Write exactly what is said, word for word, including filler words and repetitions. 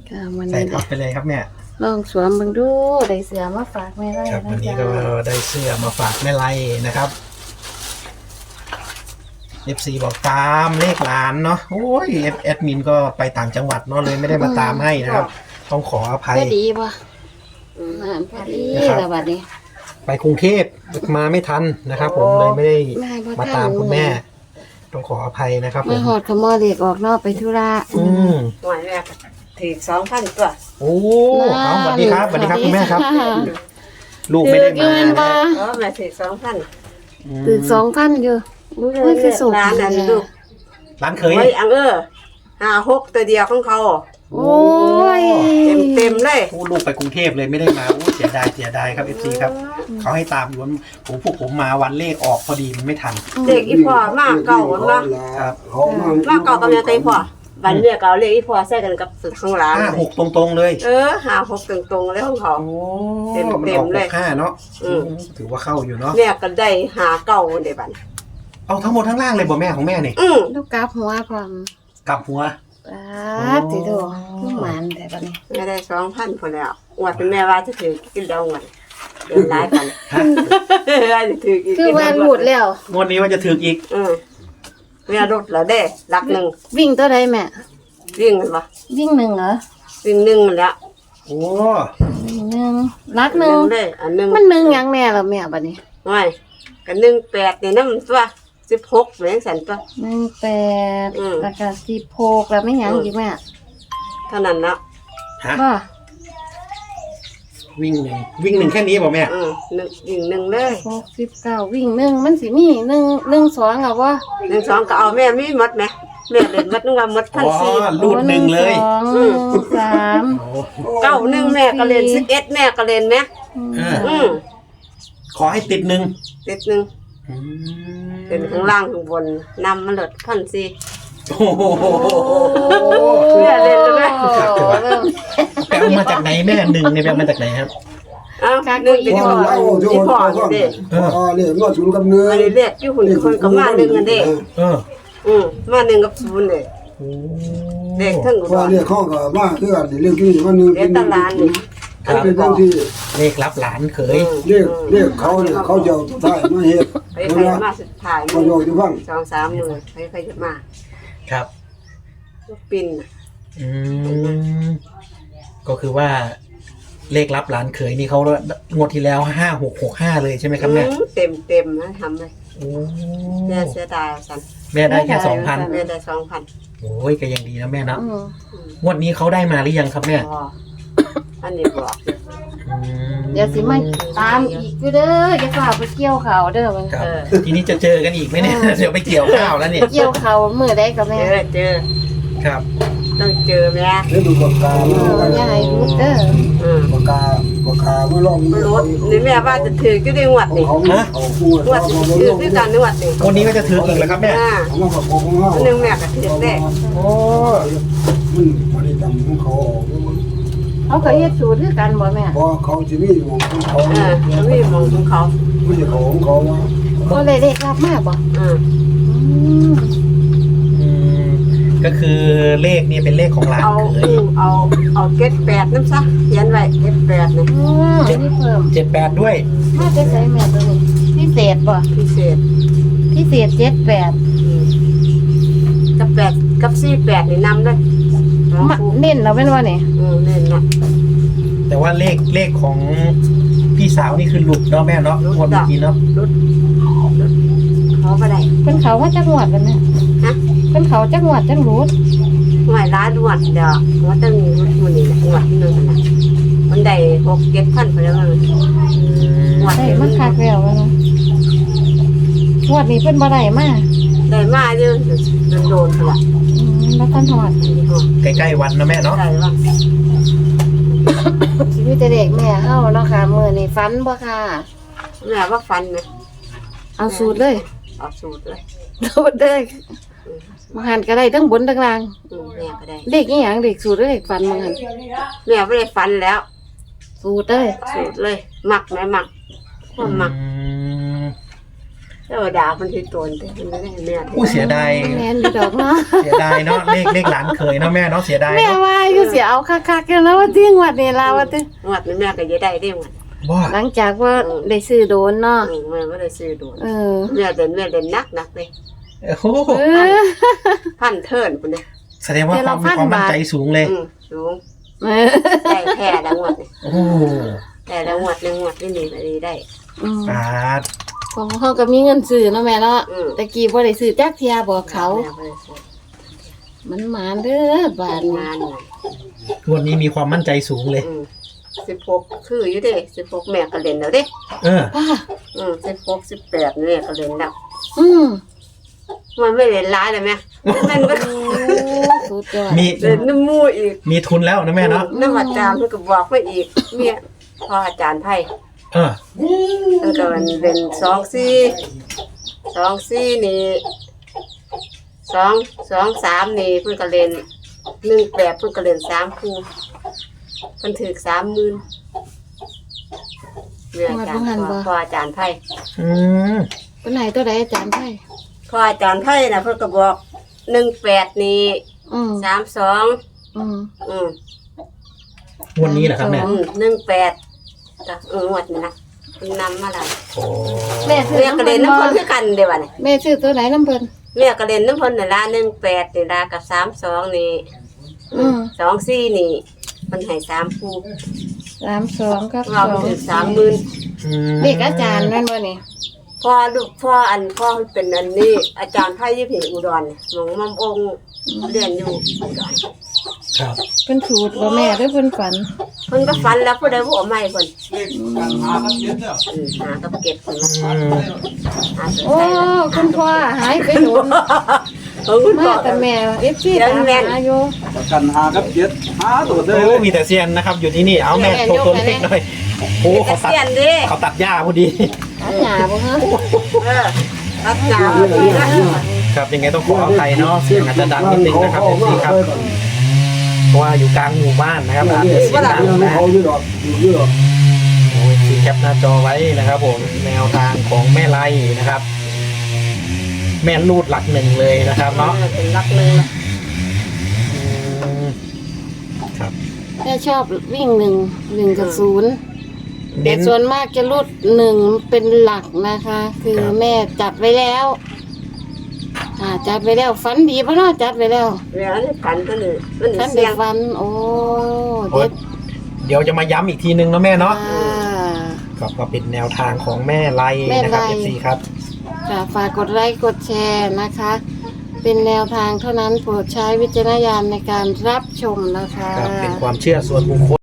ค่ะวันใส่นี้ทับไปเลยครับแม่ลองสวมเบิ่งดูได้เสื้อมาฝากแม่ไร่ครับนะวันนี้จ๊ะก็ได้เสื้อมาฝากแม่ไลนะครับเอฟซีบอกตามเลขหลานเนาะโอ้ยแอดมินก็ไปต่างจังหวัดเนาะเลยไม่ได้มาตามให้นะครับ ต้องขออภัยพอดีป่ะอืมอ่านพอดีนะครับแล้วบัดนี้ไปกรุงเทพมาไม่ทันนะครับ ผมเลยไม่ได้แม่บ่มาทันตามคุณแม่ ต้องขออภัยนะครับผมาม หอดขโมยเด็กออกนอกไปธุระอืมหน่วยแม่ถือสองพันตัวโอ้เอาสวัสดีครับสวัสดีครับคุณแม่ครับะลูกไม่ได้มาถือเงินนะมาเออแม่ถือสองพันถือสองพันอยู่อุ้ยคือสุกร้านนั้นลูกร้านเคยไว้อังเออห้าหกตัวเดียวของเขาโอ้ยเต็มเต็มๆเลยโอ้ลูกไปกรุงเทพเลยไม่ได้มาโอ้เสียดายเสียดายครับเอฟซีครับเขาให้ตามอยู่วันผมพวกผมมาวันเลขออกพอดีมันไม่ทันเด็กอีพ่อมากเก่าวันละครับมากเก่ากับยังไงพ่อบันเรียกเก่าเรียกอีพ่อใส่กันกับสุดข้างหลังห้าหกตรงๆเลยเออห้าหกตรงๆเลยของเขาโอ้เต็มมันเต็อมอกเลหยกห้าเนาะอืมถือว่าเข้าอยู่เนาะเรียกกันได้หาเก่าเดี๋ยวบันเอาทั้งหมดทั้งล่างเลยบ่แม่ของแม่นี่อืมลูกกราฟหัวพร้อมกลับหัวปาดติโดลูกหมานแต่บัดนี้แม่ได้สองพันพอแล้วอวดเป็นแม่ว่าจะถือกินเดาเงินเดินร้ายกันฮะว่าจะถือกินคือว่าหลุดแล้วงวดนี้ว่าจะถึกอีกอืมแม่รถแล้วเด้รักหนึ่งวิ่งตัวใดแม่วิ่งกันปะวิ่งหนึ่งเหรอวิ่งหนึ่งมันแล้วโอ้วิ่งหนึ่งรักหนึ่งเลยอันหนึ่งมันหนึ่งหยังแน่ล่ะแม่บัดนี้ไม่กันหนึ่งแปดเนี่ยน้ำตัวสิบหกเหมือนสันตัวหนึ่งแปดอืมแล้วก็สิบหกแล้วไม่หยังอีกแม่เท่านั้นเนาะฮะบ่วิ่งหนึ่งวิ่งหนึ่งแค่นี้บ่แม่อืมหนึ่งวิ่งหนึ่งเลยหกสิบเก้าวิ่งหนึ่งมันสิมีหนึ่งหนึ่งสองเหรอวะหนึ่งสองก็เอาแม่มีหมดไหมแม่เล่นหมดนึกว่าหมดพัอ๋นอสี่รูดหนึ่งเลยสองหนึ่งสามโอ้เก้าหนึ่งแม่ก็เล่นสิบเอ็ดแม่ก็เล่นไหมเอออืมขอให้ติดหนึ่งติดหนึ่งอืมเป็นข้างล่างข้างบนนำมันหลดพันสี่โอ้โหแม่เล่นเลยไหมเริ่มแปลมาจากไหนแม่หนึ่งเนี่ยแปลมาจากไหนครับอ้าวหนึ่งเป็นที่พ่อที่พ่อเด็กเออเรียกมาศูนย์กำเนิดอันนี้เรียกที่หุ่นคนกับมาหนึ่งกันเด็กเอออืมมาหนึ่งกับศูนย์เลยโอ้เด็กทั้งอุดพ่อรเรียกข้อก็มาคือกันเรียกที่ว่าหนึ่งเด็กตลาดนี่เขาเป็นเรื่องที่เลขรับหลานเขยเรียกเรียกเขาเนี่ยเขาจะเอาท้ายมาเฮ็ดไปใครมาสุดท้ายมาโยกที่ฟังสองสามหมื่นใครใครจะมาครับลูกปินอืมก็คือว่า เลขรับหลานเขยนี่เขางวดที่แล้วห้าหกหกห้าเลยใช่ไหมครับแม่เต็มเต็มนะทำเลยโอ้แม่เสียดายสันแม่ได้แค่สองพันแม่ได้สองพันโอ้ยก็ยังดีนะแม่เนาะอืมงวดนี้เขาได้มาหรือยังครับแม่พออันนี้บอกอืมเดี๋ยวสิมาตามอีกอยู่เด้อจะฝากไปเกี่ยวเขาวเด้อมันครับทีนี้จะเจอกันอีกไหมเนี่ย เดี๋ยวไปเกี่ยวข้าวแล้วเนี่ยเกี่ยวเขาวมือได้กับเจแม่อเจอครับต้องเจอแม่เฮ็ดดูปากกาเอมาออย่าให้รุดเด้ออืมปากกาปากกามาลองรถนี่แม่ว่าจะถือก็ได้งวดนี่เขาเขาพูดงวดถือด้วยกันงวดนี่วันนี้ก็จะถืออีกแล้วครับแม่อ่าเขามาประกบของเราหนึ่งแม่ก็ถือได้โอ้มันบ่ได้จำของเขาออกเขาก็เฮ็ดสูตรคือกันบ่แม่เพราะเขาจะมีของเขาอ่าแล้วมีมองของเขาไม่ใช่ของเขาว่าก็เลยได้รับมาบ่อืมอืมอืมก็คือเลขนี่เป็นเลขของหลานเอาเขยเอาเอาเก็ดแปดน้ำซะเขียนไว้เก็ดแปดนี่อืมอันนี้เพิ่มเจ็ดแปดด้วยมาจะใส่แม่ตัวนี้พิเศษบ่พิเศษพิเศษเจ็ดแปดอืมกับแปดกับสี่แปดนี่นำด้วยสองมาคู่เน้นเอาเป็นว่านี่อืมเล่นนะแต่ว่าเลขเลขของพี่สาวนี่คือหลุดเนาะแม่เนาะงวดเมื่อกี้เนาะรถรถเขาไปได้เป็นเขาว่าจักงวดกันแม่ฮะเป็นเขาจักงวดจักรูดหน่วยร้านดวดเดี๋ยวว่าต้องมีรถมันนี่แหละหวดนึงนะมันได้หกเจ็ดพันไปแล้วมันหวดได้นี่มามันคักแล้วว่านะงวดนี้เพิ่นบ่ได้มาได้มาเยอะโดนโดนๆละอืมบ่ทันฮอดนี่ฮะใกล้ๆวันนะแม่เนาะได้ว่าชีวิตแต่เด็กแม่เฮาเนาะค่ะมื้อนี้ฝันบ่ค่ะแม่ว่าฟันนะเอาสูตรเลยเอาสูตรเลยสูตรเลยมาหันก็ได้ทั้งบนทั้งล่างอืมแม่ก็ได้เด็กอีหยังเด็กสูตรหรือเด็กฝันมาหันแม่ไม่ได้ฟันแล้วสูตรเลยสูตรเลยหมักไหมหมักความหมักอืมเทวดามันที่ตนแต่มันไม่ได้แม่อู้เสียดายแม่นอยู่ดอกเนาะเสียดายเนาะเลขเลขหลานเคยเนาะแม่เนาะเสียดายแม่เนาะว่าอยู่สิเอาคักๆกันแล้วว่าที่งวดนี้ล่ะว่าติงวดนี้แม่ก็จะได้ได้หมดบ่หลังจากว่าได้ซื้อโดนเนาะอืมแม่ไม่ได้ซื้อโดนเออแม่เดินแม่เดินนักนักเลยโอ้โหเออพันเทิร์นคนนี้แสดงว่าความมีความมั่นใจสูงเลยอืมสูงเออได้แค่ละงวดนี่โอ้แต่ละงวดหนึ่งงวดนี่นี่ก็ดีได้อืมปาดของเขาก็มีเงินซื้อเนาะแม่เนาะอืมตะกี้บ่ได้ซื้อจักเที่ยบอกเขาแม่บ่ได้ซื้อมันหมานเด้อบาดนี้งานน่ะงวดนี้มีความมั่นใจสูงเลยอืมสิบหกคืออยู่เด้สิบหกแม่ก็เล่นแล้วเด้เออป้าอืมสิบหกสิบแปดแม่ก็เล่นแล้วอืมมันไม่เล่นร้ายเลยแม่มันก็โอ้สุดยอดมีเล่นน้ำมูอีกมีทุนแล้วนะแม่เนาะน้ำอาจารย์เพิ่นก็บอกไว้อีกเมียพ่ออาจารย์ไพ่เออเพิ่นก็มันเป็นสองสี่สองสี่นี่สองสองสามนี่เพิ่นก็เล่นหนึ่งแปดเพิ่นก็เล่นสามคู่เพิ่นถือสามหมื่นเมียอาจารย์พ่อพ่ออาจารย์ไพ่อืมเป็นไหนตัวใดอาจารย์ไพ่พ่ออาจารย์ไพ่น่ะเพิ่นก็บอกหนึ่งแปดนี่อืมสามสองอืมอืมงวดนี้เหรอครับแม่อืมหนึ่งแปดก็เออหมดนี่นะเพิ่นนำมาแล้วโอ้แม่ซื้อเรียกกระเด็นน้ำบ่พ่นคือกันเดี๋ยวนี้แม่ซื้อตัวไหนน้ำเพิ่นเรียกกระเด็นน้ำพ่นในละหนึ่งแปดในละกับสามสองนี่อืมสองสี่นี่มันให้สามคู่สามสองกับสเราองถึงสามหมื่นอืมเด็กอาจารย์แม่นบ่นี่พ่อลูกพ่ออันพ่อเป็นอันนี้ อาจารย์ไพ่ยี่ผิอุดรหลวงมัมองค์เรียนอยู่อุดรครับเพิ่นถูกบ่แม่หรือเพิ่นฝันเพิ่นก็ฝันแล้วผู้ใดผู้เอาไม่เพิ่นหากันเย็นเนี่ยอืมหากับเก็บเพิ่นมาอืมหาเสโอ้ใส่แล้วคุณพ่อหายไปโดนเออคุณพ่มาอแต่แม่ เอฟ ซีเดี๋ยวตามแม่นหาอยู่ประกันหากับเจ็ดหาตัวเด้โอ้เลยมีแต่เซียนนะครับ อยู่ที่นี่เอาแม่แม่โชว์ตัวยกเลขไปหน่อยโอ้เกเขาตัดษียณดิเขาตัดหญ้าพอดีอาหยาบ่ฮะเออรักษาพอดีนะครับยังไงต้องขออภัยเนาะเสียงอาจจะดังนิดนึงนะครับเอฟซีครับเพราะว่าอยู่กลางหมู่บ้านนะครับอาจจะเสียงดังนะเขาอยู่ดอกอยู่ดอกโอ้ยที่แคปหน้าจอไว้นะครับผมแนวทางของแม่ไล่นะครับ แม่ลูดหลักหนึ่งเลยนะครับเนาะเป็นรักเลยอืมครับแม่ชอบวิ่งหนึ่งหนึ่งกับศูนย์แต่เน้นส่วนมากจะรุดหนึ่งเป็นหลักนะคะ คือครับแม่จัดไว้แล้วอ่าจัดไว้แล้วฝันดีปะเนาะจัดไว้แล้วเวลาที่ฝันก็เลยมันฝันเสีเด็ยกงฝันโอ้โอ๊เด็ยดเดี๋ยวจะมาย้ำอีกทีนึงเนาะแม่เนาะอ่าครับก็เป็นแนวทางของแม่ไล่นะครับแม่ไล่เอฟซีครับค่ะฝากกดไลค์กดแชร์นะคะ เป็นแนวทางเท่านั้นโปรดใช้วิจารณญาณในการรับชมนะคะครับเป็นความเชื่อส่วนบุคคล